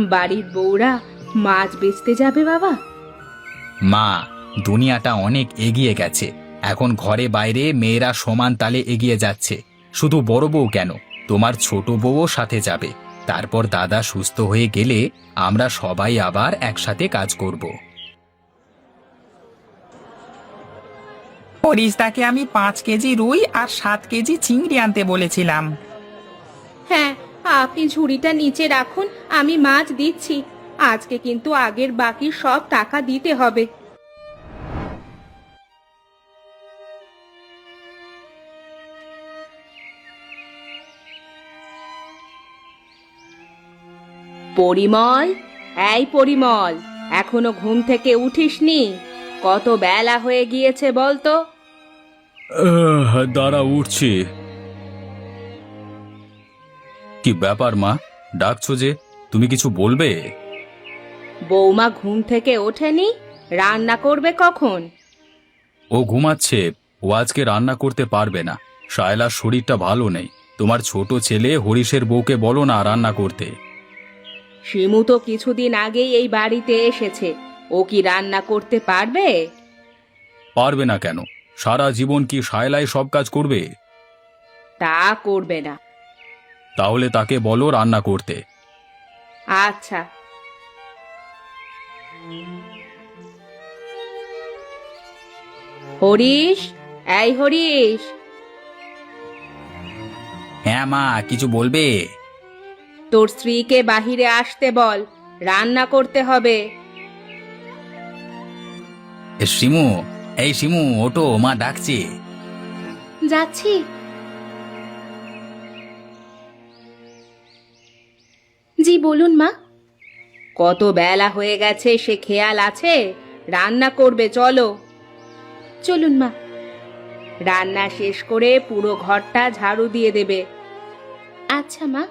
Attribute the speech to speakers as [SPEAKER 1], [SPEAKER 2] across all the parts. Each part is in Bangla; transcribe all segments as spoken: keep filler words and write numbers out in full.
[SPEAKER 1] বাড়ির বউরা মাছ বেচতে যাবে বাবা?
[SPEAKER 2] মা, দুনিয়াটা অনেক এগিয়ে গেছে। এখন ঘরে বাইরে মেয়েরা সমান তালে এগিয়ে যাচ্ছে। শুধু বড় বউ কেন, তোমার ছোট বউও সাথে যাবে। তারপর দাদা সুস্থ হয়ে গেলে আমরা সবাই আবার একসাথে কাজ করব।
[SPEAKER 3] পরিস্তাকে আমি পাঁচ কেজি রুই আর সাত কেজি চিংড়ি আনতে বলেছিলাম।
[SPEAKER 1] হ্যাঁ, আপনি ঝুড়িটা নিচে রাখুন, আমি মাছ দিচ্ছি। আজকে কিন্তু আগের বাকি সব টাকা দিতে হবে। পরিমল, এই পরিমল, এখনো ঘুম থেকে উঠিসনি? কত বেলা হয়ে গিয়েছে বলতো?
[SPEAKER 2] দাঁড়া, উঠছি। কি ব্যাপার মা, ডাকছো যে? তুমি কিছু বলবে?
[SPEAKER 1] বৌমা ঘুম থেকে ওঠেনি? রান্না করবে কখন?
[SPEAKER 2] ও ঘুমাচ্ছে। ও আজকে রান্না করতে পারবে না। শায়লার শরীরটা ভালো নেই। তোমার ছোট ছেলে হরিশের বউকে বলো না রান্না করতে।
[SPEAKER 1] শিমু তো কিছুদিন আগেই এই বাড়িতে এসেছে, ও কি রান্না করতে পারবে?
[SPEAKER 2] পারবে না কেন? সারা জীবন কি শায়লাই সব কাজ করবে?
[SPEAKER 1] তা করবে না।
[SPEAKER 2] তাহলে তাকে বলো রান্না করতে।
[SPEAKER 1] আচ্ছা। হরিশ, এই হরিশ।
[SPEAKER 2] হ্যাঁ মা, কিছু বলবে?
[SPEAKER 1] তোর স্ত্রীকে বাহিরে আসতে বল, রান্না করতে হবে।
[SPEAKER 2] এ, শিমু, এই শিমু, ওটো, মা ডাকছে।
[SPEAKER 1] যাচ্ছি। জি বলুন মা। কত বেলা হয়ে গেছে সে খেয়াল আছে? রান্না করবে, চলো। চলুন মা। রান্না শেষ করে পুরো ঘরটা ঝাড়ু দিয়ে দেবে। আচ্ছা মা।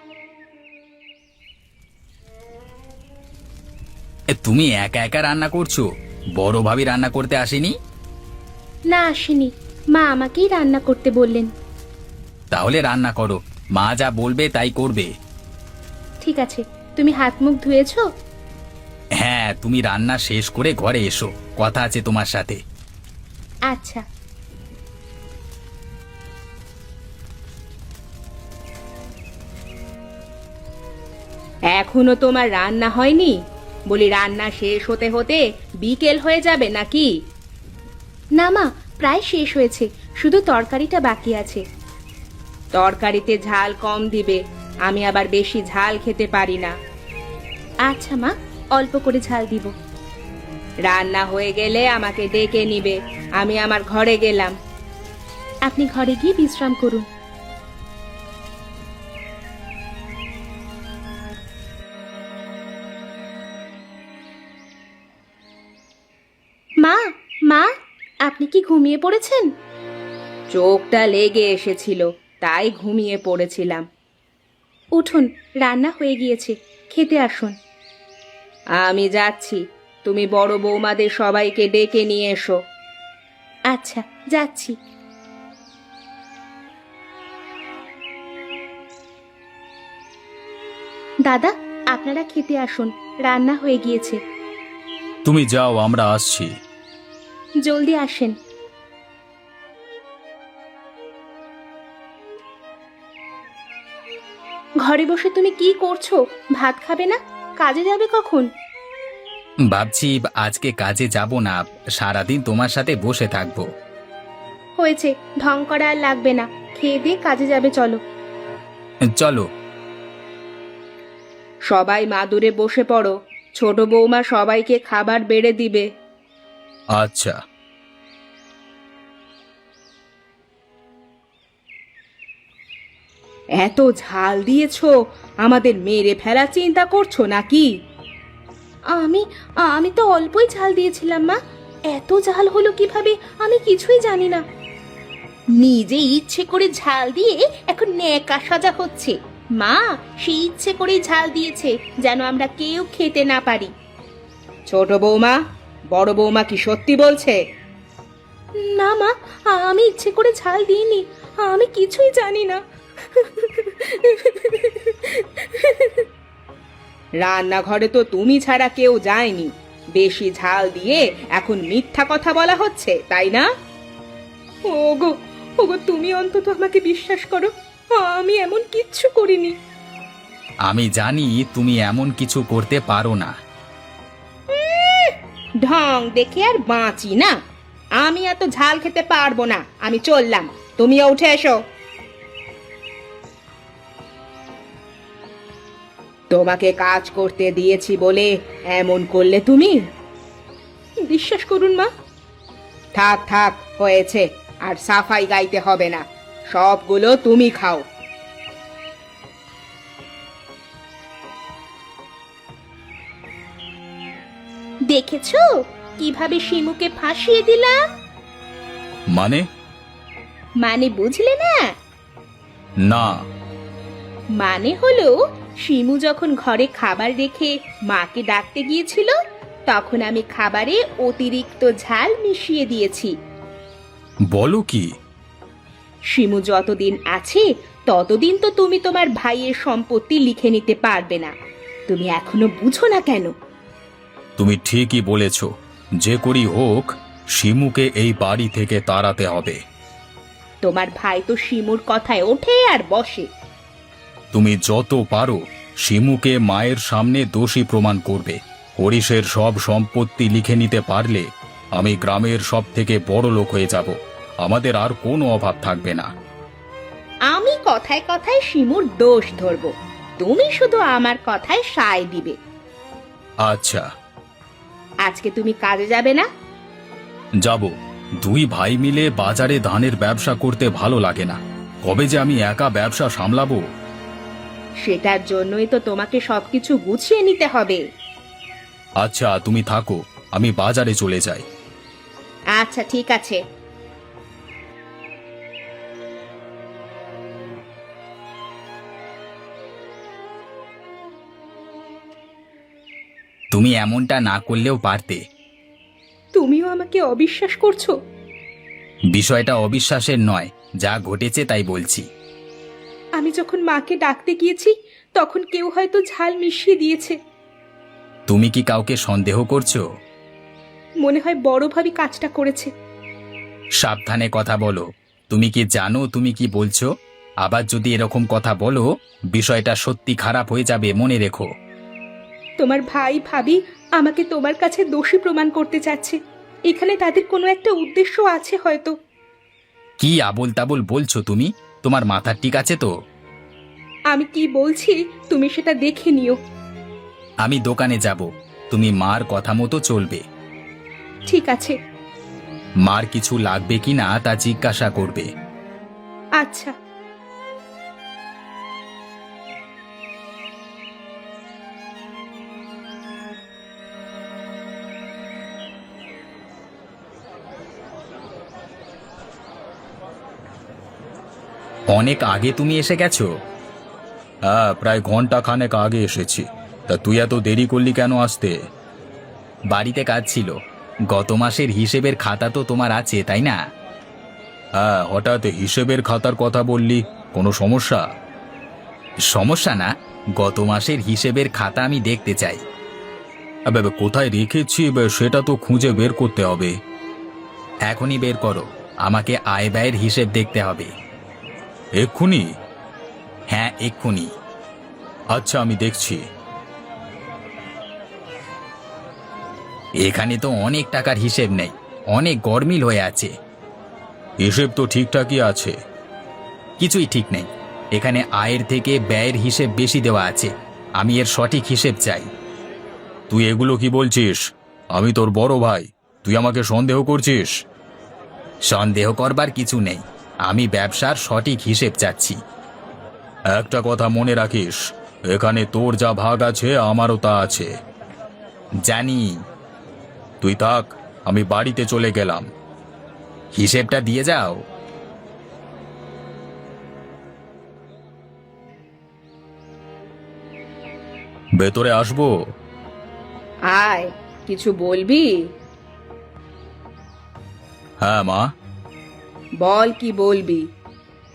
[SPEAKER 2] এ, তুমি একা একা রান্না করছো? বড় ভাবি রান্না করতে আসেনি?
[SPEAKER 1] না, আসেনি। মা আমাকেই রান্না করতে বললেন।
[SPEAKER 2] তাহলে রান্না করো, মা যা বলবে তাই করবে।
[SPEAKER 1] ঠিক আছে, তুমি হাত মুখ ধুয়েছো?
[SPEAKER 2] হ্যাঁ, তুমি রান্না শেষ করে ঘরে এসো, কথা আছে তোমার সাথে।
[SPEAKER 1] আচ্ছা। এখনো তোমার রান্না হয়নি? বলি রান্না শেষ হতে হতে বিকেল হয়ে যাবে নাকি? না মা, প্রায় শেষ হয়েছে, শুধু তরকারিটা বাকি আছে। তরকারিতে ঝাল কম দিবে, আমি আবার বেশি ঝাল খেতে পারি না। আচ্ছা মা, অল্প করে ঝাল দিব। রান্না হয়ে গেলে আমাকে ডেকে নিবে, আমি আমার ঘরে গেলাম। আপনি ঘরে গিয়ে বিশ্রাম করুন। মা, মা, আপনি কি ঘুমিয়ে পড়েছেন? চোখটা লেগে এসেছিল, তাই ঘুমিয়ে পড়েছিলাম। উঠুন, রান্না হয়ে গিয়েছে, খেতে আসুন। আমি যাচ্ছি, তুমি বড় বৌমাদের সবাইকে ডেকে নিয়ে এসো। আচ্ছা, যাচ্ছি। দাদা, আপনারা খেতে আসুন, রান্না হয়ে গিয়েছে।
[SPEAKER 2] তুমি যাও, আমরা আসছি।
[SPEAKER 1] জলদি আসেন। ঘরে বসে তুমি কি করছো? ভাত খাবে না? কাজে যাবে কখন?
[SPEAKER 2] ভাবছি আজকে কাজে যাব না, সারাদিন তোমার সাথে বসে থাকবো।
[SPEAKER 1] হয়েছে, ঢং করা আর লাগবে না, খেয়ে দিয়ে কাজে যাবে, চলো।
[SPEAKER 2] চলো।
[SPEAKER 1] সবাই মাদুরে বসে পড়ো, ছোট বৌমা সবাইকে খাবার বেড়ে দিবে।
[SPEAKER 2] আচ্ছা।
[SPEAKER 1] এত ঝাল দিয়েছো, আমাদের মেরে ফেলা চিন্তা করছো নাকি? আমি আমি তো অল্পই ঝাল দিয়েছিলাম মা, এত ঝাল হলো কিভাবে আমি কিছুই জানি না। নিজে ইচ্ছে করে ঝাল দিয়ে এখন ন্যাকা সাজা হচ্ছে। মা, সে ইচ্ছে করে ঝাল দিয়েছে যেন আমরা কেউ খেতে না পারি। ছোট বৌমা, বড় বৌমা কি সত্যি বলছে? না মা, আমি ইচ্ছে করে ঝাল দিইনি, আমি কিছুই জানি না। রান্নাঘরে তো তুমি ছাড়া কেউ যায়নি। বেশি ঝাল দিয়ে এখন মিথ্যা কথা বলা হচ্ছে, তাই না? ওগো ওগো, তুমি অন্তত আমাকে বিশ্বাস করো, আমি এমন কিচ্ছু করিনি।
[SPEAKER 2] আমি জানি তুমি এমন কিছু করতে পারো না।
[SPEAKER 1] ঢং দেখে আর বাঁচি না। আমি এত ঝাল খেতে পারবো না, আমি চললাম, তুমিও উঠে এসো। তোমাকে কাজ করতে দিয়েছি বলে এমন করলে তুমি? বিশ্বাস করুন মা। থাক থাক, হয়েছে, আর সাফাই গাইতে হবে না, সবগুলো তুমি খাও। দেখেছো কিভাবে শিমুকে ফাঁসিয়ে দিলাম?
[SPEAKER 2] মানে?
[SPEAKER 1] মানে বুঝলে না?
[SPEAKER 2] না।
[SPEAKER 1] মানে হলো, শিমু যখন ঘরে খাবার রেখে মাকে ডাকতে গিয়েছিল, তখন আমি খাবারে অতিরিক্ত ঝাল মিশিয়ে দিয়েছি।
[SPEAKER 2] বলো কি?
[SPEAKER 1] শিমু যতদিন আছে ততদিন তো তুমি তোমার ভাইয়ের সম্পত্তি লিখে নিতে পারবে না। তুমি এখনো বুঝো না কেন?
[SPEAKER 2] তুমি ঠিকই বলেছ, যে করি হোক শিমুকে এই বাড়ি থেকে তাড়াতে হবে।
[SPEAKER 1] তোমার ভাই তো শিমুর কথায় ওঠে আর বসে।
[SPEAKER 2] তুমি যত পারো শিমুকে মায়ের সামনে দোষী প্রমাণ করবে। হরিশের সব সম্পত্তি লিখে নিতে পারলে আমি গ্রামের সব থেকে বড় লোক হয়ে যাব। আমাদের আর কোনো অভাব থাকবে না।
[SPEAKER 1] আমি কথায় কথায় শিমুর দোষ ধরবো, তুমি শুধু আমার কথায় সায় দিবে।
[SPEAKER 2] আচ্ছা।
[SPEAKER 1] আজকে তুমি কাজে যাবে না?
[SPEAKER 2] যাব। দুই ভাই মিলে বাজারে ধানের ব্যবসা করতে ভালো লাগে না। কবে যে আমি একা ব্যবসা সামলাবো।
[SPEAKER 1] সেটার জন্যই তো তোমাকে সবকিছু গুছিয়ে নিতে হবে।
[SPEAKER 2] আচ্ছা, তুমি থাকো, আমি বাজারে চলে যাই।
[SPEAKER 1] আচ্ছা ঠিক আছে।
[SPEAKER 2] তুমি এমনটা না করলেও পারতে।
[SPEAKER 1] তুমিও আমাকে অবিশ্বাস করছো?
[SPEAKER 2] বিষয়টা অবিশ্বাসের নয়, যা ঘটেছে তাই বলছি।
[SPEAKER 1] আমি যখন মাকে ডাকতে গিয়েছি তখন কেউ হয়তো ঝাল মিশিয়ে দিয়েছে।
[SPEAKER 2] তুমি কি কাউকে সন্দেহ করছো?
[SPEAKER 1] মনে হয় বড় ভাবি কাজটা করেছে।
[SPEAKER 2] সাবধানে কথা বলো। তুমি কি জানো তুমি কি বলছো? আবার যদি এরকম কথা বলো, বিষয়টা সত্যি খারাপ হয়ে যাবে, মনে রেখো।
[SPEAKER 1] তোমার ভাই ভাবি আমাকে তোমার কাছে দোষী প্রমাণ করতে চাচ্ছে। এখানে তাদের কোনো একটা উদ্দেশ্য আছে হয়তো।
[SPEAKER 2] কি আবোল তাবোল বলছো তুমি? তোমার মাথা ঠিক আছে তো?
[SPEAKER 1] আমি কি বলছি তুমি সেটা দেখে নিও।
[SPEAKER 2] আমি দোকানে যাব, তুমি মার কথা মতো চলবে।
[SPEAKER 1] ঠিক আছে।
[SPEAKER 2] মার কিছু লাগবে কিনা তা জিজ্ঞাসা করবে।
[SPEAKER 1] আচ্ছা।
[SPEAKER 2] অনেক আগে তুমি এসে গেছো? হ্যাঁ, প্রায় ঘন্টা খানেক আগে এসেছি। তা তুই এত দেরি করলি কেন আসতে? বাড়িতে কাজ ছিল। গত মাসের হিসেবের খাতা তো তোমার আছে, তাই না? হ্যাঁ, হঠাৎ হিসেবের খাতার কথা বললি, কোনো সমস্যা? সমস্যা না, গত মাসের হিসেবের খাতা আমি দেখতে চাই। আবে, কোথায় রেখেছি সেটা তো খুঁজে বের করতে হবে। এখনই বের করো, আমাকে আয় ব্যয়ের হিসেব দেখতে হবে। এক্ষুনি? হ্যাঁ, এক্ষুনি। আচ্ছা, আমি দেখছি। এখানে তো অনেক টাকার হিসেব নেই, অনেক গরমিল হয়ে আছে। হিসেব তো ঠিকঠাকই আছে। কিছুই ঠিক নেই। এখানে আয়ের থেকে ব্যয়ের হিসেব বেশি দেওয়া আছে। আমি এর সঠিক হিসেব চাই। তুই এগুলো কি বলছিস? আমি তোর বড় ভাই, তুই আমাকে সন্দেহ করছিস? সন্দেহ করবার কিছু নেই, আমি ব্যবসার সঠিক হিসেব চাচ্ছি। একটা কথা মনে রাখিস, এখানে তোর যা ভাগ আছে আমারও তা আছে। জানি। তুই থাক, আমি বাড়িতে চলে গেলাম। হিসেবটা দিয়ে যাও। ভেতরে আসবো?
[SPEAKER 1] আয়, কিছু বলবি?
[SPEAKER 2] হ্যাঁ মা।
[SPEAKER 1] বল, কি বলবি?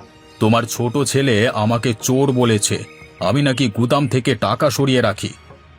[SPEAKER 2] তোমার ছোট ছেলে আমাকে চোর বলেছে। আমি নাকি গুদাম থেকে টাকা সরিয়ে রাখি।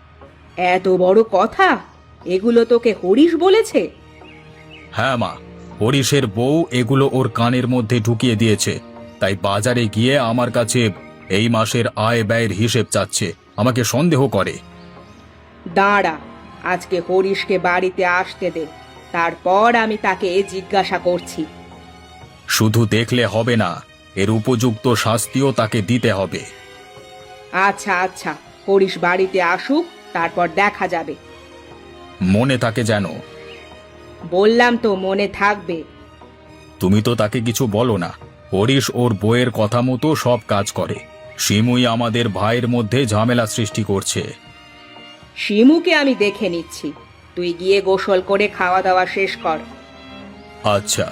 [SPEAKER 1] এত বড় কথা, এগুলো তোকে হরিশ বলেছে?
[SPEAKER 2] হ্যাঁ মা, হরিশের বউ এগুলো ওর কানের মধ্যে ঢুকিয়ে দিয়েছে, তাই বাজারে গিয়ে আমার কাছে এই মাসের আয় ব্যয়ের হিসেব চাচ্ছে, আমাকে সন্দেহ করে।
[SPEAKER 1] দাঁড়া, আজকে হরিশকে বাড়িতে আসতে দে, তারপর আমি তাকে জিজ্ঞাসা করছি।
[SPEAKER 2] শুধু দেখলে হবে না, এর উপযুক্ত শাস্তিও তাকে দিতে হবে।
[SPEAKER 1] আচ্ছা আচ্ছা, হরিশ বাড়িতে আসুক, তারপর দেখা যাবে।
[SPEAKER 2] মনে থাকে যেন।
[SPEAKER 1] বললাম তো মনে থাকবে।
[SPEAKER 2] তুমি তো তাকে কিছু বলো না। হরিশ ওর বউয়ের কথা মতো সব কাজ করে। শিমুই আমাদের ভাইয়ের মধ্যে ঝামেলা সৃষ্টি করছে।
[SPEAKER 1] শিমুকে আমি দেখে নিচ্ছি, তুই গিয়ে গোসল করে খাওয়া দাওয়া শেষ কর।
[SPEAKER 2] আচ্ছা।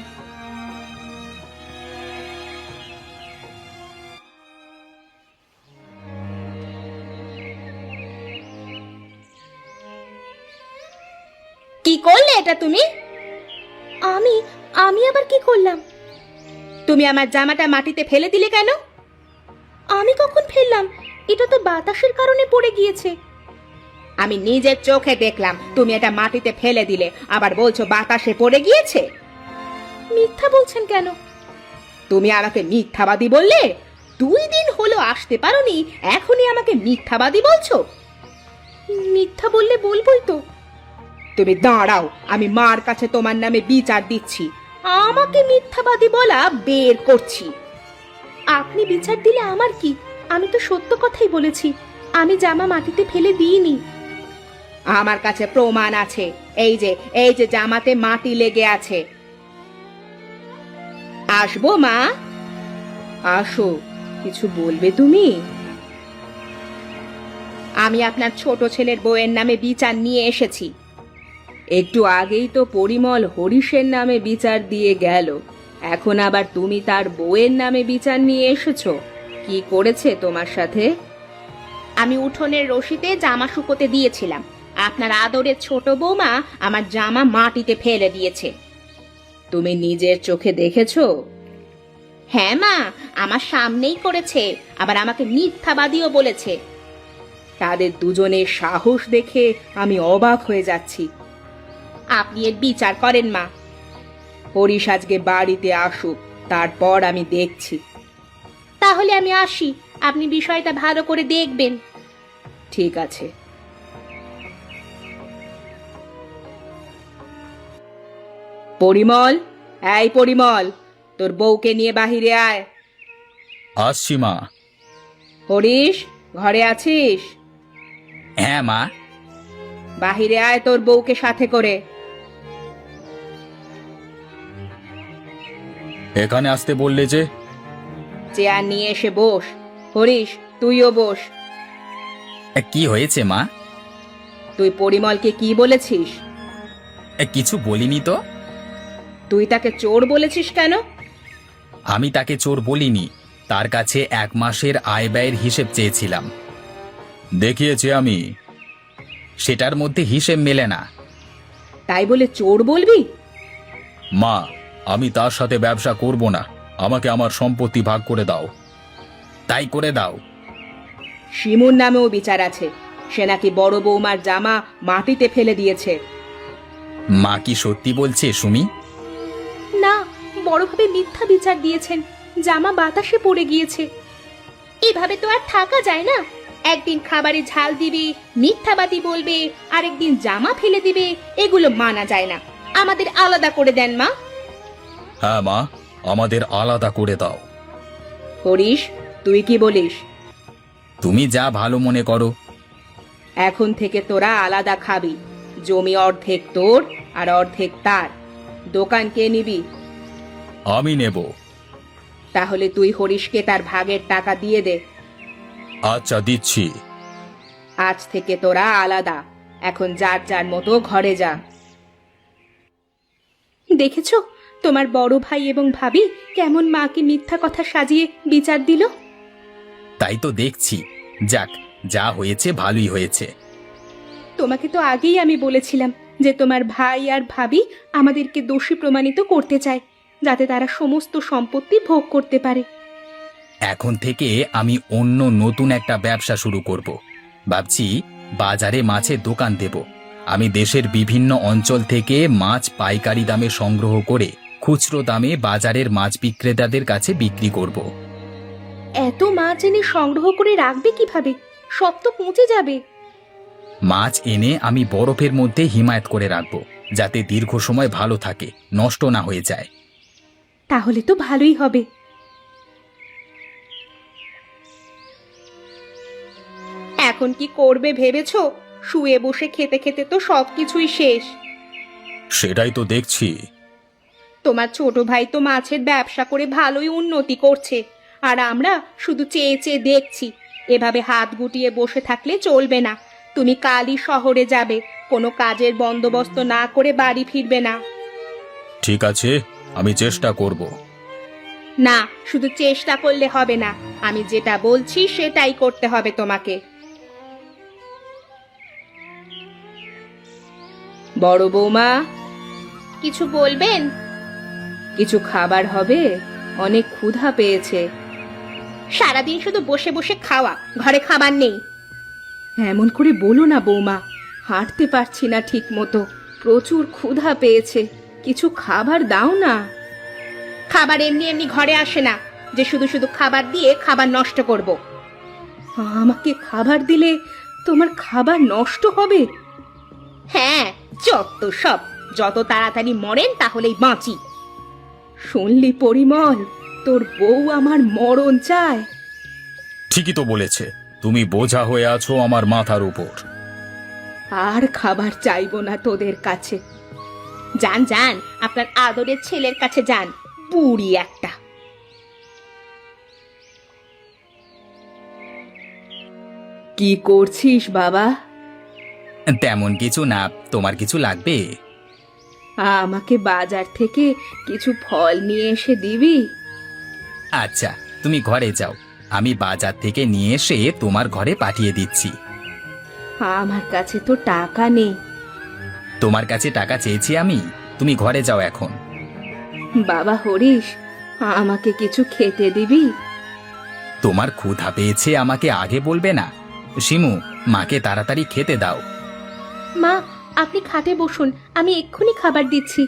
[SPEAKER 1] কি করলে এটা তুমি? আমি আমি আবার কি করলাম? তুমি আমার জামাটা মাটিতে ফেলে দিলে কেন? আমি কখন ফেললাম? এটা তো বাতাসের কারণে পড়ে গিয়েছে। আমি নিজের চোখে দেখলাম তুমি এটা মাটিতে ফেলে দিলে, আবার বলছো বাতাসে পড়ে গিয়েছে। মিথ্যা বলছেন কেন? তুমি আমাকে মিথ্যাবাদী বললে? দুই দিন হলো আসতে পারোনি, এখনই আমাকে মিথ্যাবাদী বলছো? মিথ্যা বললে বলবোই তো। তুমি দাঁড়াও, আমি মার কাছে তোমার নামে বিচার দিচ্ছি। আমাকে মিথ্যাবাদী বলা বের করছি। আপনি বিচার দিলে আমার কি? আমি তো সত্য কথাই বলেছি, আমি জামা মাটিতে ফেলে দিইনি। আমার কাছে প্রমাণ আছে, এই যে এই যে জামাতে মাটি লেগে আছে। আসবো মা? আসো, কিছু বলবে তুমি? আমি আপনার ছোট ছেলের বউয়ের নামে বিচার নিয়ে এসেছি। একটু আগেই তো পরিমল হরিশের নামে বিচার দিয়ে গেল, এখন আবার তুমি তার বউয়ের নামে বিচার নিয়ে এসেছো। কি করেছে তোমার সাথে? আমি উঠোনের রশিতে জামা শুকোতে দিয়েছিলাম, আপনার আদরের ছোট বৌমা আমার জামা মাটিতে ফেলে দিয়েছে। তুমি নিজের চোখে দেখেছো? হ্যাঁ মা, আমার সামনেই করেছে, আবার আমাকে মিথ্যাবাদীও বলেছে। তাদের দুজনের সাহস দেখে আমি অবাক হয়ে যাচ্ছি। আপনি এর বিচার করেন মা। হরিশ আজকে বাড়িতে আসুক, তারপর আমি দেখছি। তাহলে আমি আসি, আপনি বিষয়টা ভালো করে দেখবেন। ঠিক আছে। পরিমল, এই পরিমল, তোর বউকে নিয়ে বাহিরে আয়।
[SPEAKER 2] আসছি মা।
[SPEAKER 1] হরিশ, ঘরে আছিস?
[SPEAKER 2] হ্যাঁ মা।
[SPEAKER 1] বাহিরে আয় তোর বউকে সাথে করে।
[SPEAKER 2] এখানে আসতে বললে যে?
[SPEAKER 1] চেয়ার নিয়ে এসে বস। হরিশ, তুইও বস।
[SPEAKER 2] কি হয়েছে মা?
[SPEAKER 1] তুই পরিমলকে কি বলেছিস?
[SPEAKER 2] কিছু বলিনি তো।
[SPEAKER 1] তুই তাকে চোর বলেছিস কেন?
[SPEAKER 2] আমি তাকে চোর বলিনি, তার কাছে এক মাসের আয় ব্যয়ের হিসেব চেয়েছিলাম। দেখিয়েছি আমি, সেটার মধ্যে হিসেব মেলে না।
[SPEAKER 1] তাই বলে চোর বলবি?
[SPEAKER 2] মা, আমি তার সাথে ব্যবসা করব না, আমাকে আমার সম্পত্তি ভাগ করে দাও। তাই করে দাও।
[SPEAKER 1] শিমুর নামেও বিচার আছে, সে নাকি বড় বৌমার জামা মাটিতে ফেলে দিয়েছে।
[SPEAKER 2] মা কি সত্যি বলছে সুমি?
[SPEAKER 1] না, বড়ভাবে মিথ্যা বিচার দিয়েছেন, জামা বাতাসে পড়ে গিয়েছে। এভাবে তো আর থাকা যায় না। একদিন খাবারে ঝাল দিবে, মিথ্যাবাদী বলবে, আরেকদিন জামা ফেলে দিবে, এগুলো মানা যায় না। আমাদের আলাদা করে দেন মা।
[SPEAKER 2] হ্যাঁ মা, আমাদের আলাদা করে দাও।
[SPEAKER 1] হরিশ, তুই কি বলিস?
[SPEAKER 2] তুমি যা ভালো মনে করো।
[SPEAKER 1] এখন থেকে তোরা আলাদা খাবি, জমি অর্ধেক তোর আর অর্ধেক তার। দোকান কে নিবি?
[SPEAKER 2] আমি নেব।
[SPEAKER 1] তাহলে তুই হরিশকে তার ভাগের টাকা দিয়ে দে।
[SPEAKER 2] আচ্ছা, দিচ্ছি।
[SPEAKER 1] আজ থেকে তোরা আলাদা, এখন যার যার মতো ঘরে যা। দেখেছো তোমার বড় ভাই এবং ভাবি কেমন মাকে মিথ্যা কথা সাজিয়ে বিচার দিল?
[SPEAKER 2] তাই তো দেখছি। যাক, যা হয়েছে ভালোই হয়েছে।
[SPEAKER 1] তোমাকে তো আগেই আমি বলেছিলাম যে তোমার ভাই আর ভাবি আমাদেরকে দোষী প্রমাণিত করতে চায়, যাতে তারা সমস্ত সম্পত্তি ভোগ করতে পারে।
[SPEAKER 2] এখন থেকে আমি অন্য নতুন একটা ব্যবসা শুরু করব। ভাবছি বাজারে মাছের দোকান দেব। আমি দেশের বিভিন্ন অঞ্চল থেকে মাছ পাইকারি দামে সংগ্রহ করে খুচরো দামে বাজারের মাছ বিক্রেতাদের কাছে বিক্রি করব।
[SPEAKER 1] এত মাছ এনে সংগ্রহ করে রাখবে কিভাবে? সব তো পচে যাবে।
[SPEAKER 2] মাছ এনে আমি বরফের মধ্যে হিমায়িত করে রাখব, যাতে দীর্ঘ সময় ভালো থাকে, নষ্ট না হয়ে যায়।
[SPEAKER 1] তাহলে তো ভালোই হবে। এখন কি করবে ভেবেছো? শুয়ে বসে খেতে খেতে তো সবকিছুই শেষ।
[SPEAKER 2] সেটাই তো দেখছি।
[SPEAKER 1] তোমার ছোট ভাই তো মাছের ব্যবসা করে ভালোই উন্নতি করছে, আর আমরা শুধু চেয়ে চেয়ে দেখছি। এভাবে হাত গুটিয়ে বসে থাকলে চলবে না। তুমি কালই শহরে যাবে, কোনো কাজের বন্দোবস্ত না করে বাড়ি ফিরবে না।
[SPEAKER 2] ঠিক আছে, আমি চেষ্টা করব।
[SPEAKER 1] না, শুধু চেষ্টা করলে হবে না, আমি যেটা বলছি সেটাই করতে হবে তোমাকে। বড় বৌমা, কিছু বলবেন? কিছু খাবার হবে? অনেক ক্ষুধা পেয়েছে। সারাদিন শুধু বসে বসে খাওয়া, ঘরে খাবার নেই। এমন করে বলো না বৌমা, হাঁটতে পারছি না ঠিক মতো, প্রচুর ক্ষুধা পেয়েছে, কিছু খাবার দাও না। খাবার এমনি এমনি ঘরে আসে না যে শুধু শুধু খাবার দিয়ে খাবার নষ্ট করব। আমাকে খাবার দিলে তোমার খাবার নষ্ট হবে? হ্যাঁ, যত সব, যত তাড়াতাড়ি মরেন তাহলেই বাঁচি। শুনলি পরিমল, তোর বউ আমার মরণ চায়।
[SPEAKER 2] ঠিকই তো বলেছে, তুমি বোঝা হয়ে আছো আমার মাথার উপর।
[SPEAKER 1] আর খাবার চাইবো না তোদের কাছে। যান যান, আপনার আদরের ছেলের কাছে যান, বুড়ি একটা। কি করছিস বাবা?
[SPEAKER 2] তেমন কিছু না, তোমার কিছু লাগবে?
[SPEAKER 1] আমাকে বাজার থেকে কিছু ফল নিয়ে এসে দিবি?
[SPEAKER 2] আচ্ছা, তুমি ঘরে যাও, আমি বাজার থেকে নিয়ে এসে তোমার ঘরে পাঠিয়ে দিচ্ছি।
[SPEAKER 1] আমার কাছে তো টাকা নেই।
[SPEAKER 2] তোমার কাছে টাকা চেয়েছি আমি? তুমি ঘরে যাও এখন।
[SPEAKER 1] বাবা হরিশ, আমাকে কিছু খেতে দিবি?
[SPEAKER 2] তোমার ক্ষুধা পেয়েছে, আমাকে আগে বলবে না? শিমু, মাকে তাড়াতাড়ি খেতে দাও।
[SPEAKER 1] মা, আপনি খাটে বসুন, আমি এক্ষুনি খাবার দিচ্ছি।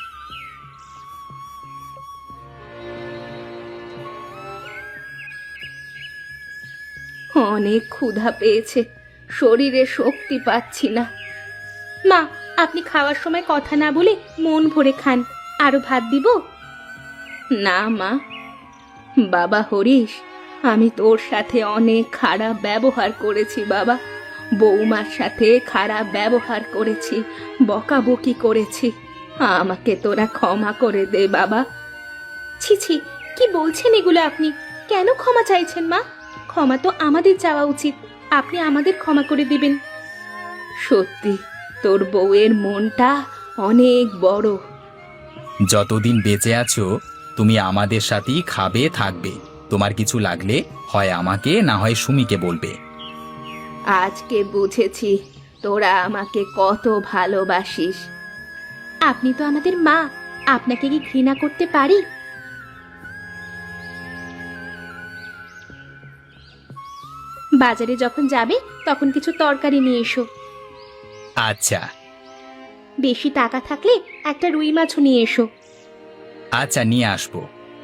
[SPEAKER 1] অনেক ক্ষুধা পেয়েছে, শরীরে শক্তি পাচ্ছি না। মা, আপনি খাওয়ার সময় কথা না বলে মন ভরে খান। আরো ভাত দিব? না মা। বাবা হরিশ, আমি তোর সাথে অনেক খারাপ ব্যবহার করেছি বাবা। বৌমার সাথে খারাপ ব্যবহার করেছি, বকাবকি করেছি, আমাকে তোরা ক্ষমা করে দে বাবা। ছি ছি, কি বলছেন এগুলো আপনি? কেন ক্ষমা চাইছেন মা? ক্ষমা তো আমাদের চাওয়া উচিত, আপনি আমাদের ক্ষমা করে দিবেন। সত্যি তোর বউয়ের মনটা অনেক বড়।
[SPEAKER 2] যতদিন বেঁচে আছো তুমি আমাদের সাথেই খাবে থাকবে। তোমার কিছু লাগলে হয় আমাকে না হয় সুমিকে বলবে।
[SPEAKER 1] আজকে বুঝেছি তোরা আমাকে কত ভালোবাসিস। আপনি তো আমাদের মা, আপনাকে কি ঘৃণা করতে পারি? বাজারে যখন যাবে তখন কিছু তরকারি নিয়ে এসো।
[SPEAKER 2] আচ্ছা
[SPEAKER 1] বেশি টাকা থাকলে একটা রুই মাছও নিয়ে এসো।
[SPEAKER 2] আচ্ছা, নিয়ে আসবো।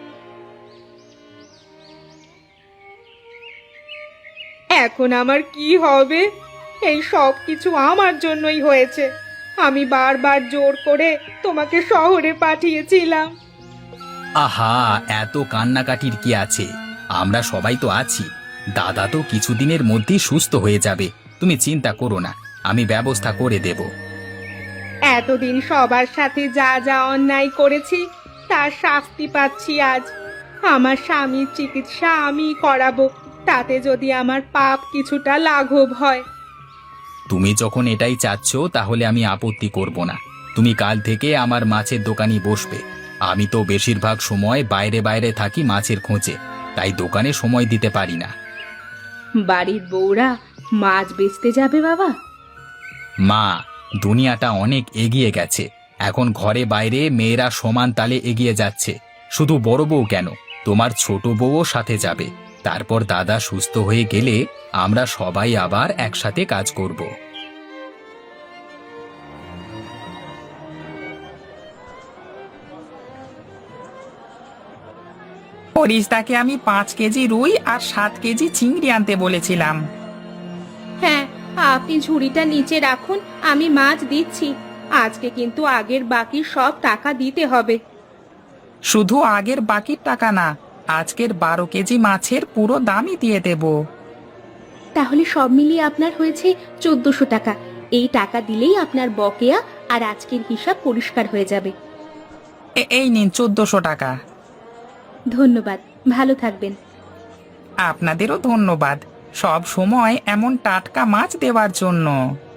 [SPEAKER 1] এখন আমার কি হবে? এই সব কিছু আমার জন্যই হয়েছে। আমি বারবার জোর করে তোমাকে শহরে পাঠিয়েছিলাম।
[SPEAKER 2] আহা, এত কান্নাকাটির কি আছে? আমরা সবাই তো আছি। দাদা তো কিছুদিনের মধ্যেই সুস্থ হয়ে যাবে, তুমি চিন্তা করো না, আমি ব্যবস্থা করে দেব।
[SPEAKER 1] এতদিন সবার সাথে যা যা অন্যায় করেছি তার শাস্তি পাচ্ছি আজ। আমার স্বামীর চিকিৎসা আমি করাবো, তাতে যদি আমার পাপ কিছুটা লাঘব হয়।
[SPEAKER 2] তুমি যখন এটাই চাচ্ছ তাহলে আমি আপত্তি করব না। তুমি কাল থেকে আমার মাছের দোকানই বসবে। আমি তো বেশিরভাগ সময় বাইরে বাইরে থাকি মাছের খোঁজে, তাই দোকানে সময় দিতে পারি না।
[SPEAKER 1] বাড়ির বউরা মাছ বেচতে যাবে বাবা?
[SPEAKER 2] মা, দুনিয়াটা অনেক এগিয়ে গেছে। এখন ঘরে বাইরে মেয়েরা সমান তালে এগিয়ে যাচ্ছে। শুধু বড় বউ কেন, তোমার ছোট বউও সাথে যাবে। তারপর দাদা সুস্থ হয়ে গেলে আমরা সবাই আবার একসাথে কাজ করব।
[SPEAKER 3] ফরিস্তাকে আমি পাঁচ কেজি রুই আর সাত কেজি চিংড়ি আনতে বলেছিলাম।
[SPEAKER 1] হ্যাঁ, আপনি ঝুড়িটা নিচে রাখুন, আমি মাছ দিচ্ছি। আজকে কিন্তু আগের বাকি সব টাকা দিতে হবে।
[SPEAKER 3] শুধু আগের বাকির টাকা না, আজকের বারো কেজি মাছের পুরো দামই দিয়ে দেব।
[SPEAKER 1] তাহলে সব মিলিয়ে আপনার হয়েছে চোদ্দশো টাকা। এই টাকা দিলেই আপনার বকেয়া আর আজকের হিসাব পরিষ্কার হয়ে যাবে।
[SPEAKER 3] এ- এই নিন চোদ্দশো টাকা।
[SPEAKER 1] ধন্যবাদ, ভালো থাকবেন।
[SPEAKER 3] আপনাদেরও ধন্যবাদ সব সময় এমন টাটকা মাছ দেওয়ার জন্য।